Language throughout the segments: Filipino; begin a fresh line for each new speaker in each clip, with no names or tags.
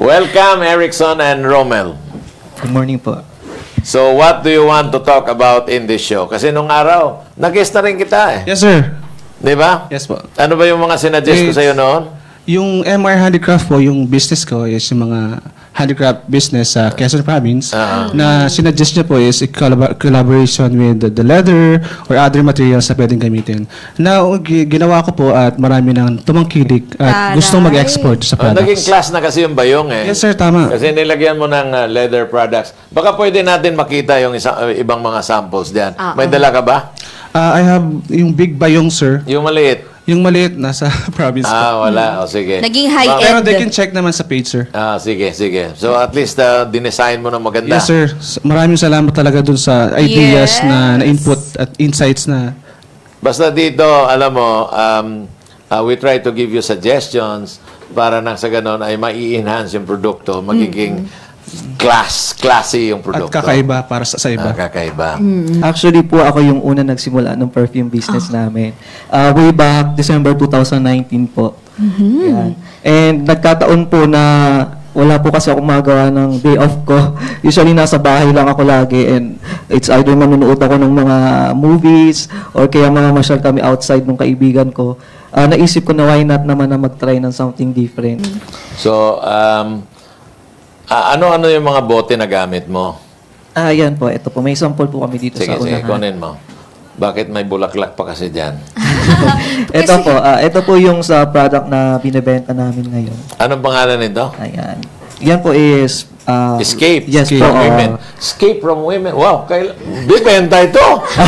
Welcome, Erickson and Romel.
Good morning po.
So, what do you want to talk about in this show? Kasi nung araw, nag-guest na rin kita eh.
Yes, sir.
Di ba?
Yes po.
Ano ba yung mga sinuggest ko sa'yo noon?
Yung MR Handicraft po, yung business ko is yung mga handicraft business sa Quezon Province na sinuggest niya po is a collaboration with the leather or other materials na pwedeng gamitin. Na ginawa ko po at marami nang tumangkilik at gustong mag-export sa products.
Naging class na kasi yung bayong eh.
Yes, sir. Tama.
Kasi nilagyan mo ng leather products. Baka pwede natin makita yung ibang mga samples diyan. May dala ka ba?
I have yung big bayong, sir.
Yung maliit?
Yung maliit, nasa province po.
Wala. O, sige.
Naging high-end.
Pero they can check naman sa page, sir.
Sige. So, at least dinesign mo na maganda.
Yes, sir. Maraming salamat talaga dun sa ideas na input at insights na.
Basta dito, alam mo, we try to give you suggestions para nang sa ganon ay mai-enhance yung produkto, magiging classy yung
At
produkto.
kakaiba para sa iba.
Kakaiba.
Actually po, ako yung una nagsimula ng perfume business namin. Way back December 2019 po. Yan. And nagkataon po na wala po kasi ako magawa ng day off ko. Usually nasa bahay lang ako lagi and it's either manunood ako ng mga movies or kaya mga masyal kami outside ng kaibigan ko. Naisip ko na why not naman na mag-try ng something different.
So, ano-ano yung mga bote na gamit mo?
Yan po. Ito po. May sample po kami dito
Sige,
sa unahan.
kunin mo. Bakit may bulaklak pa kasi dyan?
Ito po yung sa product na binebenta namin ngayon.
Anong pangalan nito?
Ayan. Yan po is...
Escape.
Yes
Escape
po.
from women. Escape from women. Wow, bibenta ito.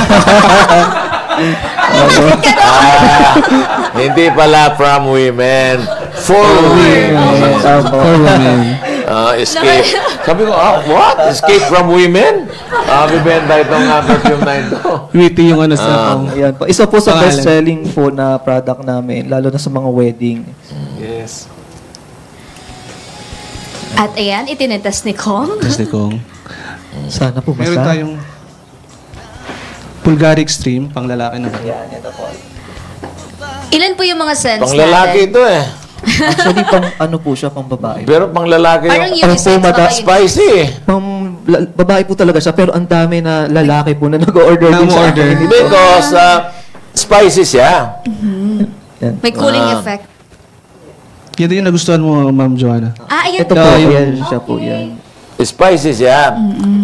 Hindi pala from women. For women.
For women.
Escape. Sabi ko, what? Escape from women? Bibenta itong perfume na ito.
Witty yung ano sa
Ayan po. Isa po sa
Pangalan.
best-selling po na product namin, lalo na sa mga wedding.
Yes.
At ayan, itinitas ni Kong.
Kasi kung
Sana po
meron
basta.
tayong Bulgari Extreme, pang lalaki naman.
Ayan, ito po.
Ilan po yung mga scents
Pang lalaki
natin?
ito eh.
Actually, pang ano po siya, pang babae.
Pero pang lalaki
Parang
yung
unisex ba kayo?
spicy eh.
Pang babae po talaga siya, pero ang dami na lalaki po na nag-order din sa
Nag-order.
akin.
Because spicy siya.
Yan.
May cooling effect.
Yan din yung nagustuhan mo, Ma'am Joanna.
Ayan.
Ito po,
yung-
yan siya po yan.
Spicy siya.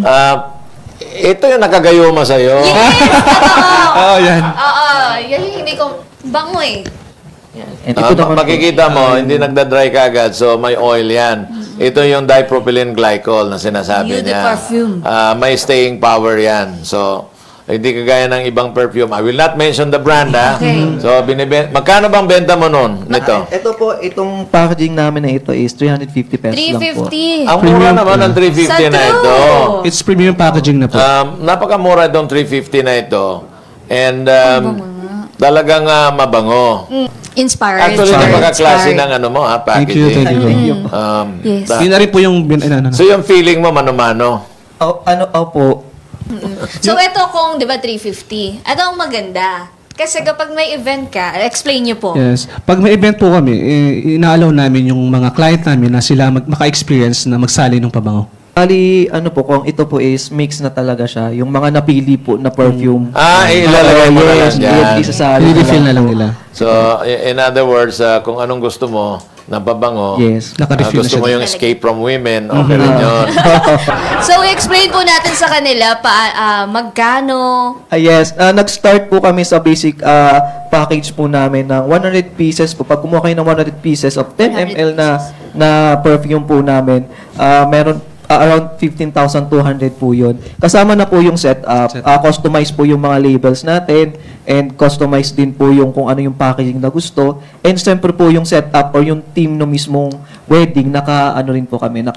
Ito yung nakagayuma sa'yo.
Yes!
Oo, yan.
Oo, yan yung hindi ko... Bango eh.
And ito naman po,
Makikita mo, hindi nagda-dry kagad, so may oil yan. Ito yung dipropylene glycol na sinasabi
Eau de
niya.
parfum.
May staying power yan. So, hindi kagaya ng ibang perfume. I will not mention the brand, ha?
Okay.
So, magkano bang benta mo nun nito?
Ito po, itong packaging namin na ito is 350 pesos lang po.
350.
Ang mura naman ng 350
Sa
na
true.
ito.
It's premium packaging na po.
Napakamura itong 350 na ito. And talagang mabango.
Inspired.
Actually, napaka-klase
Inspired.
ng ano mo, ha,
Thank you,
packaging.
thank you.
Yes.
Da-
Yun na rin po yung
So, yung feeling mo, mano-mano.
Opo.
So, ito kung, di ba, 350. Ito ang maganda. Kasi kapag may event ka, explain nyo po.
Yes. Pag may event po kami, ina-allow namin yung mga client namin na sila maka-experience na magsali ng pabango.
Bali, ano po, kung ito po is mix na talaga siya, yung mga napili po na perfume.
Ilalagay mo na lang
yes,
dyan.
isasali na
I-refill na
lang
lang
po.
nila.
So, in other words, kung anong gusto mo na pabango,
Yes.
Naka-refill na
gusto
siya.
mo yung escape from women, okay rin yun.
So, explain po natin sa kanila magkano.
Yes, nag-start po kami sa basic package po namin ng 100 pieces po. Pag kumuha kayo ng 100 pieces of 10 ml na perfume po namin, meron around 15,200 po yun. Kasama na po yung setup, customize po yung mga labels natin, and customize din po yung kung ano yung packaging na gusto. And siyempre po yung setup or yung team no mismong wedding, naka-ano rin po kami,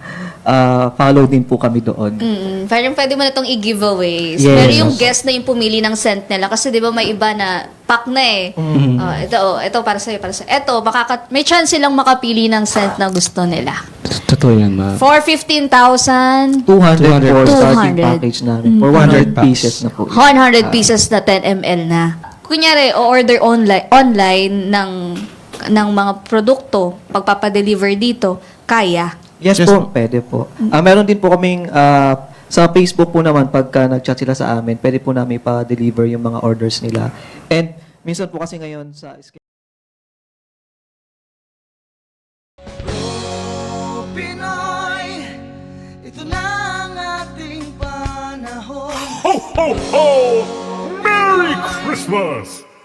follow din po kami doon.
Parang pwede mo na itong i-giveaways.
Yes.
Pero yung guest na yung pumili ng scent nila. Kasi di ba may iba na pack na eh. Ito para sa'yo, para sa'yo. Ito, may chance silang makapili ng scent na gusto nila.
Totoo yan, ma'am.
For 15,000,
200 for starting
200.
package namin. For 100 pieces na po.
100 pieces na 10 ml na. Kunyari, o-order online ng mga produkto, pagpapadeliver dito, kaya.
Yes,
Yes,
po, pwede po. Meron din po kaming sa Facebook po naman, pagka nag-chat sila sa amin, pwede po namin pa-deliver yung mga orders nila. And minsan po kasi ngayon sa
Pinoy, ito na ang ating panahon.
Ho, ho, ho! Merry Christmas!